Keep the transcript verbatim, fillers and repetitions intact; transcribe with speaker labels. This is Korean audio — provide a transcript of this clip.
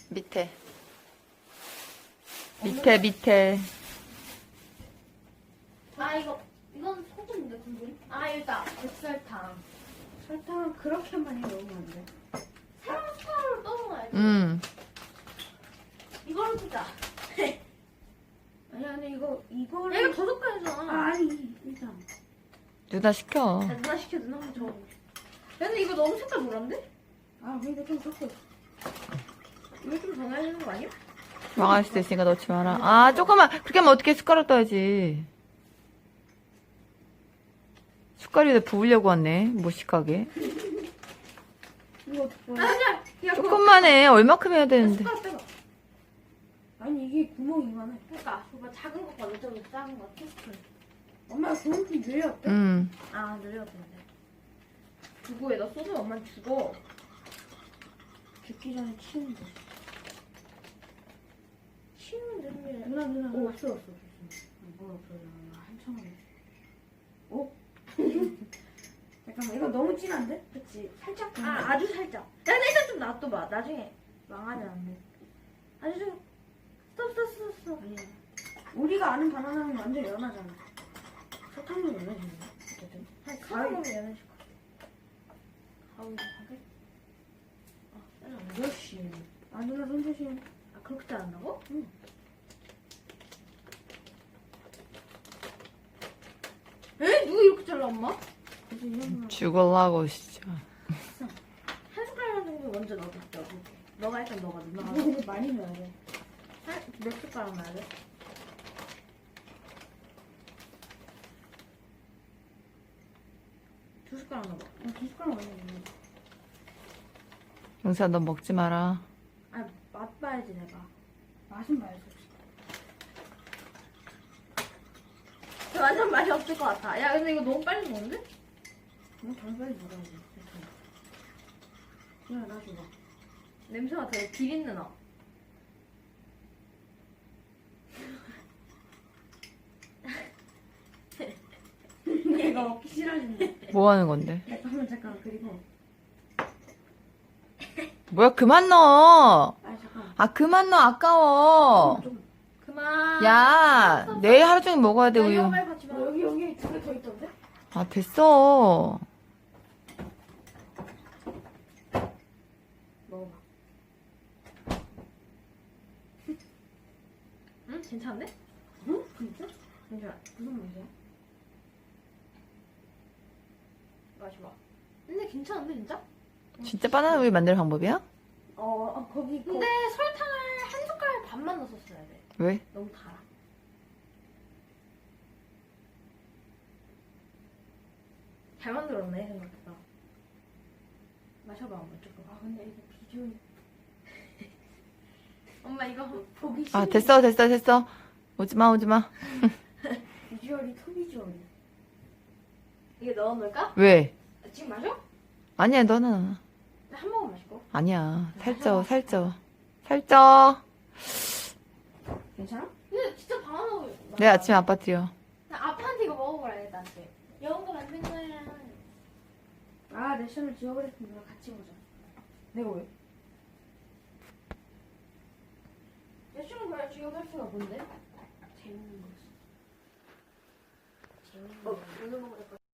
Speaker 1: 밑에. 밑에, 밑에.
Speaker 2: 아 이거 이건 소금인데 국물? 아 일단 백설탕. 설탕은 그렇게 많이 넣으면 안 돼. 설탕으로 떠먹어야지.
Speaker 1: 음.
Speaker 2: 이걸로 쓰자.
Speaker 3: 아니 아니 이거 이거를
Speaker 2: 얘가 더 섞어야잖아.
Speaker 3: 아니 일단
Speaker 1: 누나 시켜.
Speaker 2: 야, 누나 시켜 누나 한번 줘. 근데 이거 너무 색깔 노란데?
Speaker 3: 아 근데 좀 섞어.
Speaker 2: 이거 좀 더 넣어야 되는 거 아니야?
Speaker 1: 망할 수도 있으니까 넣지 마라. 아, 조금만. 그렇게 하면 어떻게 숟가락 떠야지. 숟가락에 부으려고 왔네. 무식하게.
Speaker 3: 이거 어떡해.
Speaker 2: 아니야. 야, 그거
Speaker 1: 조금만 해. 얼마큼 해야 되는데.
Speaker 2: 숟가락 빼봐.
Speaker 3: 아니 이게 구멍이 이만해.
Speaker 2: 그러니까 그거 작은 것과 이쪽으로 작은 거 테스트.
Speaker 3: 엄마 구멍 좀 늘렸대.
Speaker 1: 음.
Speaker 2: 아 늘려보는데. 두고 에다 소스 엄마 주고.
Speaker 3: 죽기 전에 치우면 돼.
Speaker 2: 치우면 되는 게.
Speaker 3: 누나 누나
Speaker 2: 오
Speaker 3: 누나.
Speaker 2: 없어 없어.
Speaker 3: 뭐 없어요. 한참 하네. 오? 잠깐만 이거 너무 진한데?
Speaker 2: 그치. 살짝.
Speaker 3: 음.
Speaker 2: 아 아주 살짝. 야 근데 일단 좀 놔둬봐. 나중에 망하지 않네. 아주 좀. 스톱 스톱 스톱 스톱.
Speaker 3: 아니야. 우리가 아는 바나나는 완전 연하잖아. 설탕도 연해지네. 어쨌든.
Speaker 2: 한 가위 먹으면 연해질 것 같아. 가위 하게? 아 빼라.
Speaker 3: 역시. 아 누나 손 조심.
Speaker 2: 아 그렇게 자른다고?
Speaker 3: 응.
Speaker 2: 에? 누가 이렇게 잘라 엄마?
Speaker 3: 그래서 이런 거.
Speaker 1: 죽을라고, 진짜.
Speaker 2: 한 숟갈만 정도 먼저 넣어볼게. 너가 일단 넣어봐. 누나가
Speaker 3: 이거 근데 많이 넣어야 돼.
Speaker 2: 한, 몇 숟가락 넣어야 돼? 두 숟가락 넣어봐.
Speaker 3: 아, 두 숟가락 많이 넣어.
Speaker 1: 용사, 너 먹지 마라.
Speaker 2: 아, 맛봐야지 내가.
Speaker 3: 맛은 봐야지.
Speaker 2: 완전 맛이 없을 것 같아. 야, 근데 이거 너무 빨리 먹는데?
Speaker 3: 너무 덜 빨리 먹어야지. 누나 나 줘봐.
Speaker 2: 냄새가 되게 비린내 나.
Speaker 3: 얘가 먹기 싫어진대.
Speaker 1: 뭐 하는 건데?
Speaker 3: 잠깐만 잠깐 그리고
Speaker 1: 뭐야, 그만 넣어.
Speaker 3: 아 잠깐.
Speaker 1: 아, 그만 넣어. 아까워.
Speaker 3: 좀.
Speaker 2: 그만.
Speaker 1: 야, 내일 하루 종일 먹어야 돼,
Speaker 2: 야, 이거
Speaker 1: 우유.
Speaker 2: 빨리 같이
Speaker 3: 어,
Speaker 2: 먹어.
Speaker 3: 여기 여기 두 개 더 있던데?
Speaker 1: 아, 됐어.
Speaker 2: 먹어봐. 응? 괜찮은데?
Speaker 3: 응? 진짜?
Speaker 2: 괜찮아.
Speaker 3: 무슨 맛이야?
Speaker 2: 마셔봐. 근데 괜찮은데, 진짜?
Speaker 1: 진짜 바나나 우유 만드는 방법이야?
Speaker 3: 어, 어 거기 거.
Speaker 2: 근데 설탕을 한 숟갈 반만 넣었어야 돼.
Speaker 1: 왜?
Speaker 2: 너무 달아. 잘 만들었네, 생각보다. 마셔봐, 엄마 조금.
Speaker 3: 아 근데 이거 비주얼
Speaker 2: 엄마 이거
Speaker 3: 보기 싫.
Speaker 1: 아, 됐어, 됐어, 됐어. 오지마, 오지마.
Speaker 3: 비주얼이 토비주얼이.
Speaker 2: 이게 넣어놓을까?
Speaker 1: 왜?
Speaker 2: 지금 마셔?
Speaker 1: 아니야, 너는.
Speaker 2: 한 모금 마시고.
Speaker 1: 아니야. 살쪄, 살쪄. 살쪄.
Speaker 3: 괜찮아?
Speaker 2: 근데 진짜 바나나 우유.
Speaker 1: 내일 아침에 아빠 드려.
Speaker 2: 나 아빠한테 이거 먹어보라, 나한테. 영거 만든 거야.
Speaker 3: 아 내셔널 지워버렸으면 누나 같이 보자.
Speaker 2: 내가 왜? 여친은 그래, 지금 할 수가 뭔데?
Speaker 3: 재밌는 거지. 재밌는
Speaker 2: 어,
Speaker 3: 거.
Speaker 2: 오늘 먹을 거.